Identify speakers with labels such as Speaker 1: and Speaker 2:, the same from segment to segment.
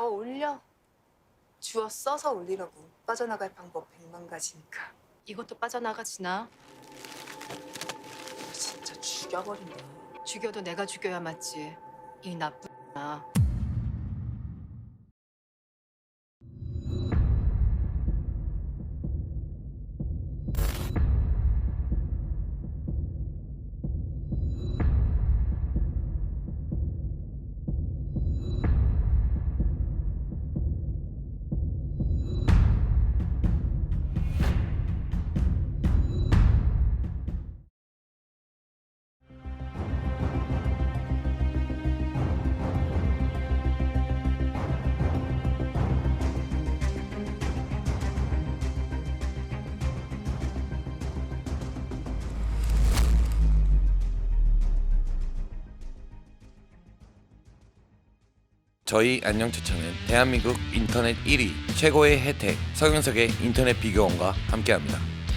Speaker 1: 올려. 주워 써서 올리라고. 빠져나갈 방법 100만 가지니까.
Speaker 2: 이것도 빠져나가지나?
Speaker 1: 진짜 죽여버린다.
Speaker 2: 죽여도 내가 죽여야 맞지. 이 나쁜 나.
Speaker 3: 저희 안녕추천은 대한민국 인터넷 1위 최고의 혜택 서경석의 인터넷 비교원과 함께합니다.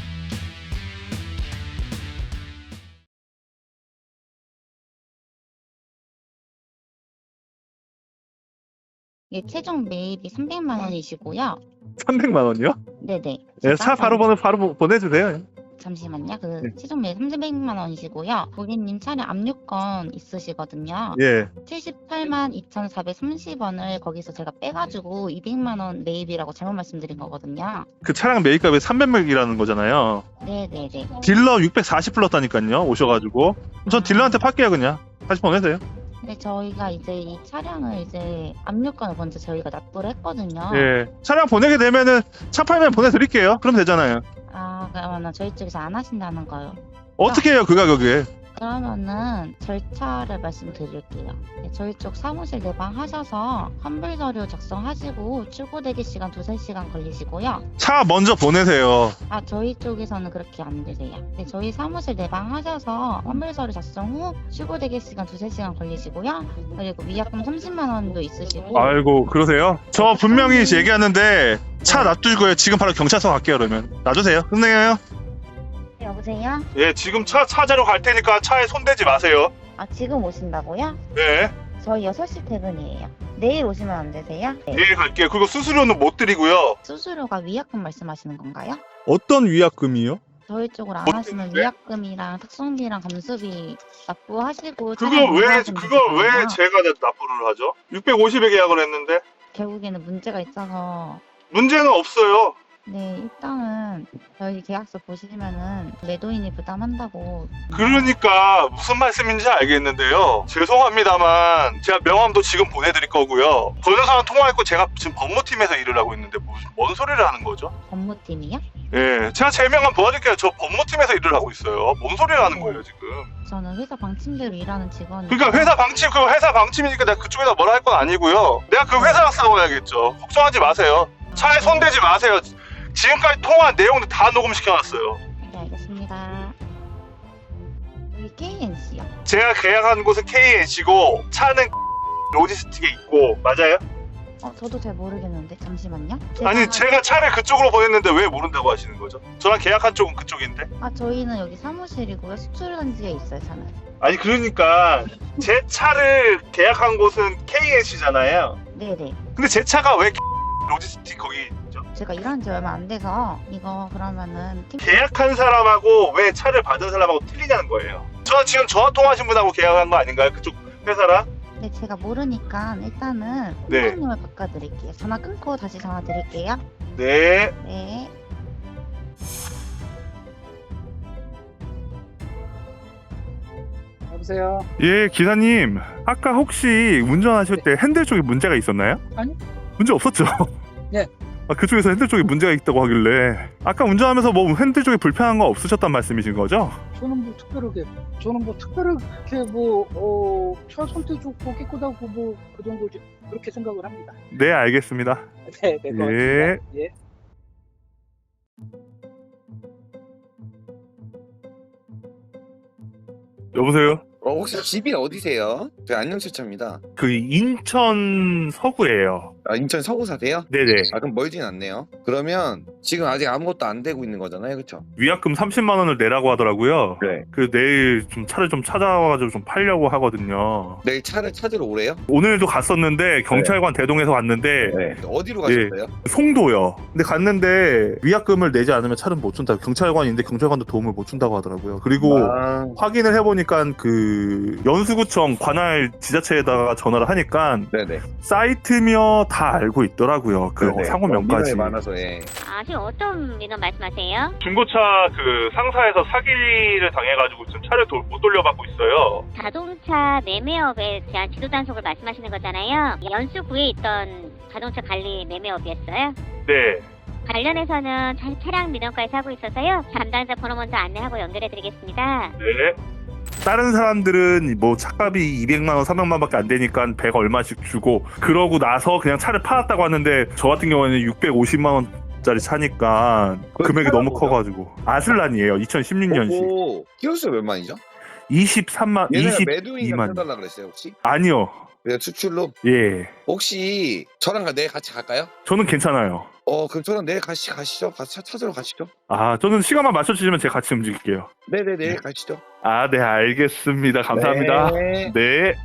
Speaker 4: 예, 최종 매입이 300만 원이시고요.
Speaker 5: 300만 원이요?
Speaker 4: 네네.
Speaker 5: 네, 차 바로 보내주세요.
Speaker 4: 잠시만요.
Speaker 5: 네.
Speaker 4: 최종 매입 300만 원이시고요. 고객님 차량 압류권 있으시거든요.
Speaker 5: 예.
Speaker 4: 78만 2,430원을 거기서 제가 빼가지고 200만 원 매입이라고 잘못 말씀드린 거거든요.
Speaker 5: 그 차량 매입값이 300맥이라는 거잖아요.
Speaker 4: 네네네.
Speaker 5: 딜러 640 불렀다니까요. 오셔가지고. 전 딜러한테 팔게요 그냥. 다시 보내세요.
Speaker 4: 근데 저희가 이제 이 차량을 이제 압류권을 먼저 저희가 납부를 했거든요.
Speaker 5: 예. 차량 보내게 되면은 차 팔면 보내드릴게요. 그럼 되잖아요.
Speaker 4: 아, 그러면은 저희 쪽에서 안 하신다는 거요.
Speaker 5: 어떻게 해요 그 가격에?
Speaker 4: 그러면은 절차를 말씀드릴게요. 네, 저희 쪽 사무실 내방하셔서 환불 서류 작성하시고 출고 대기 시간 2-3시간 걸리시고요.
Speaker 5: 차 먼저 보내세요.
Speaker 4: 아, 저희 쪽에서는 그렇게 안 되세요. 네, 저희 사무실 내방하셔서 환불 서류 작성 후 출고 대기 시간 2-3시간 걸리시고요. 그리고 위약금 30만 원도 있으시고.
Speaker 5: 아이고 그러세요? 저 분명히 얘기하는데 차 놔두고요. 지금 바로 경찰서 갈게요 그러면. 놔주세요. 끝내요.
Speaker 4: 여보세요?
Speaker 5: 예, 지금 차 찾으러 갈 테니까 차에 손대지 마세요.
Speaker 4: 아, 지금 오신다고요?
Speaker 5: 네.
Speaker 4: 저희 6시 퇴근이에요. 내일 오시면 안 되세요? 네.
Speaker 5: 내일 갈게요. 그리고 수수료는 못 드리고요.
Speaker 4: 수수료가 위약금 말씀하시는 건가요?
Speaker 5: 어떤 위약금이요?
Speaker 4: 저희 쪽으로 안
Speaker 5: 뭐
Speaker 4: 하시면
Speaker 5: 때문에?
Speaker 4: 위약금이랑 특성비랑 감수비 납부하시고
Speaker 5: 그걸
Speaker 4: 차량
Speaker 5: 왜
Speaker 4: 이용하시면 되잖아요.
Speaker 5: 제가 납부를 하죠? 650에 계약을 했는데
Speaker 4: 결국에는 문제가 있어서
Speaker 5: 문제는 없어요.
Speaker 4: 네, 일단은 저희 계약서 보시면은 매도인이 부담한다고.
Speaker 5: 그러니까 무슨 말씀인지 알겠는데요. 죄송합니다만 제가 명함도 지금 보내드릴 거고요. 변호사랑 통화했고 제가 지금 법무팀에서 일을 하고 있는데 뭔 소리를 하는 거죠?
Speaker 4: 법무팀이요?
Speaker 5: 예, 제가 제 명함 도와줄게요. 저 법무팀에서 일을 하고 있어요. 뭔 소리를 하는 거예요 지금?
Speaker 4: 저는 회사 방침대로 일하는 직원이.
Speaker 5: 그러니까 회사 방침이니까 내가 그쪽에다 뭐라 할 건 아니고요. 내가 그 회사랑 싸워야겠죠. 걱정하지 마세요. 차에 손대지 마세요. 지금까지 통화한 내용도 다 녹음시켜놨어요.
Speaker 4: 네, 알겠습니다. 여기 KNC요.
Speaker 5: 제가 계약한 곳은 KNC고 차는 로지스틱에 있고 맞아요?
Speaker 4: 저도 잘 모르겠는데 잠시만요.
Speaker 5: 아니 제가 차를 그쪽으로 보냈는데 왜 모른다고 하시는 거죠? 저랑 계약한 쪽은 그쪽인데?
Speaker 4: 저희는 여기 사무실이고요. 수출단지에 있어요, 차는.
Speaker 5: 아니 그러니까 제 차를 계약한 곳은 KNC잖아요.
Speaker 4: 네네.
Speaker 5: 근데 제 차가 왜 로지스틱 거기 있죠?
Speaker 4: 제가 일한 지 얼마 안 돼서 이거 그러면은
Speaker 5: 계약한 사람하고 왜 차를 받은 사람하고 틀리냐는 거예요. 저 지금 전화 통화하신 분하고 계약한 거 아닌가요? 그쪽 회사랑?
Speaker 4: 네, 제가 모르니까 일단은
Speaker 5: 네.
Speaker 4: 선생님을 바꿔드릴게요. 전화 끊고 다시 전화 드릴게요.
Speaker 5: 네.
Speaker 4: 네.
Speaker 6: 여보세요?
Speaker 7: 예, 기사님. 아까 혹시 운전하실 때 핸들 쪽에 문제가 있었나요?
Speaker 6: 아니요.
Speaker 7: 문제 없었죠?
Speaker 6: 네.
Speaker 7: 아, 그쪽에서 핸들 쪽에 문제가 있다고 하길래 아까 운전하면서 뭐 핸들 쪽에 불편한 거 없으셨단 말씀이신 거죠?
Speaker 6: 저는 뭐 특별하게 차 손대 좋고 깨끗하고 뭐 그 정도지 그렇게 생각을 합니다.
Speaker 7: 네, 알겠습니다.
Speaker 6: 네, 네, 고맙습니다. 예.
Speaker 7: 여보세요?
Speaker 8: 혹시 집이 어디세요? 저 안녕차차입니다.
Speaker 7: 그 인천 서구예요.
Speaker 8: 아, 인천 서구 사세요?
Speaker 7: 네네.
Speaker 8: 아, 그럼 멀진 않네요. 그러면 지금 아직 아무것도 안 되고 있는 거잖아요, 그렇죠?
Speaker 7: 위약금 30만 원을 내라고 하더라고요.
Speaker 8: 네.
Speaker 7: 그 내일 좀 차를 좀 찾아와가지고 좀 팔려고 하거든요.
Speaker 8: 내일 차를 찾으러 오래요?
Speaker 7: 오늘도 갔었는데 경찰관 대동에서 왔는데
Speaker 8: 네. 어디로 가셨어요?
Speaker 7: 송도요. 근데 갔는데 위약금을 내지 않으면 차를 못 준다. 경찰관인데 경찰관도 도움을 못 준다고 하더라고요. 그리고
Speaker 8: 아,
Speaker 7: 확인을 해보니까 그 연수구청 관할 지자체에다가 전화를 하니까
Speaker 8: 네네.
Speaker 7: 사이트며 다 알고 있더라고요. 그
Speaker 8: 네네.
Speaker 7: 상호명까지.
Speaker 8: 민원이 많아서 예.
Speaker 9: 아, 지금 어떤 민원 말씀하세요?
Speaker 5: 중고차 그 상사에서 사기를 당해가지고 지금 차를 못 돌려받고 있어요.
Speaker 9: 자동차 매매업에 대한 지도 단속을 말씀하시는 거잖아요. 연수구에 있던 자동차 관리 매매업이었어요.
Speaker 5: 네.
Speaker 9: 관련해서는 차량 민원까지 하고 있어서요. 담당자 번호 먼저 안내하고 연결해드리겠습니다.
Speaker 5: 네.
Speaker 7: 다른 사람들은 뭐 차값이 200만 원, 300만 원밖에 안 되니까 100 얼마씩 주고 그러고 나서 그냥 차를 팔았다고 하는데 저 같은 경우에는 650만 원짜리 차니까 금액이 너무
Speaker 8: 뭐죠?
Speaker 7: 커가지고 아슬란이에요. 2016년식.
Speaker 8: 오, 키로수 몇만이죠?
Speaker 7: 23만,
Speaker 8: 얘네가 매도인가
Speaker 7: 22만.
Speaker 8: 해달라 그랬어요, 혹시?
Speaker 7: 아니요.
Speaker 8: 그냥 수출로?
Speaker 7: 예.
Speaker 8: 혹시 저랑 내일 같이 갈까요?
Speaker 7: 저는 괜찮아요.
Speaker 8: 그럼 저랑 내일 가시죠. 같이 차 찾으러 가시죠.
Speaker 7: 아, 저는 시간만 맞춰주시면 제가 같이 움직일게요.
Speaker 8: 네네, 내일 가시죠.
Speaker 7: 아, 네, 알겠습니다. 감사합니다.
Speaker 8: 네.
Speaker 7: 네.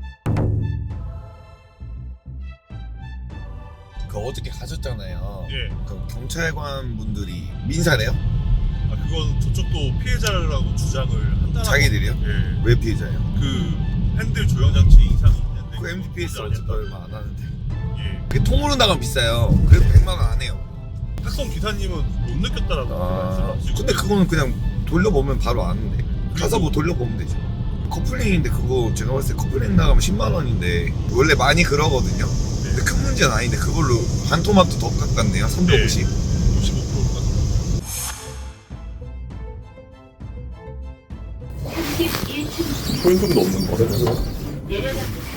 Speaker 8: 그 어저께 가셨잖아요.
Speaker 10: 예.
Speaker 8: 그럼 경찰관 분들이 민사네요?
Speaker 10: 아 그건 저쪽도 피해자라고 주장을 한다.
Speaker 8: 자기들이요?
Speaker 10: 예.
Speaker 8: 왜 피해자예요?
Speaker 10: 그 핸들 조형 장치 이상이 있는데.
Speaker 8: 그 MTPS 어차피 얼마 안 하는데.
Speaker 10: 예.
Speaker 8: 그게 통으로 나가면 비싸요. 그래도 100만 원 안 해요.
Speaker 10: 탁송 기사님은 못 느꼈다라고 말씀하시고.
Speaker 8: 근데 그거는 그냥 돌려보면 바로 아는데. 가서 뭐 돌려보면 되죠. 커플링인데 그거 제가 봤을 때 커플링 나가면 10만 원인데 원래 많이 그러거든요. 근데 큰 문제는 아닌데 그걸로 반 토마토 더 깎았네요. 350.
Speaker 10: 55%가.
Speaker 7: 소인금도 없는 거래.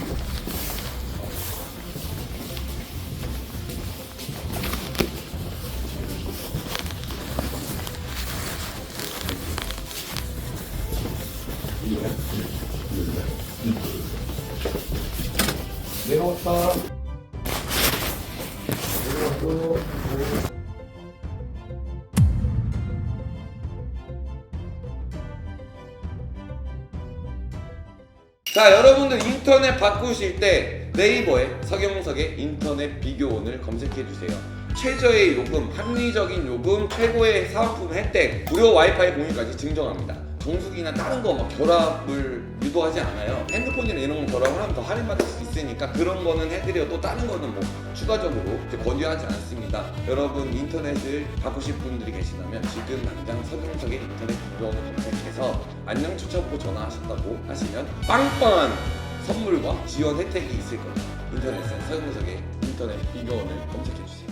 Speaker 3: 자, 여러분들 인터넷 바꾸실 때 네이버에 서경석의 인터넷 비교원을 검색해주세요. 최저의 요금, 합리적인 요금, 최고의 사은품 혜택, 무료 와이파이 공유까지 증정합니다. 정수기나 다른 거 막 결합을 유도하지 않아요. 핸드폰이나 이런 거 결합을 하면 더 할인받을 수 있으니까 그런 거는 해드려도 다른 거는 뭐 추가적으로 권유하지 않습니다. 여러분 인터넷을 바꾸실 분들이 계시다면 지금 당장 서경석의 인터넷 비교원을 검색해서 안녕 추천고 전화하셨다고 하시면 빵빵한 선물과 지원 혜택이 있을 겁니다. 인터넷에 서경석의 인터넷 비교원을 검색해주세요.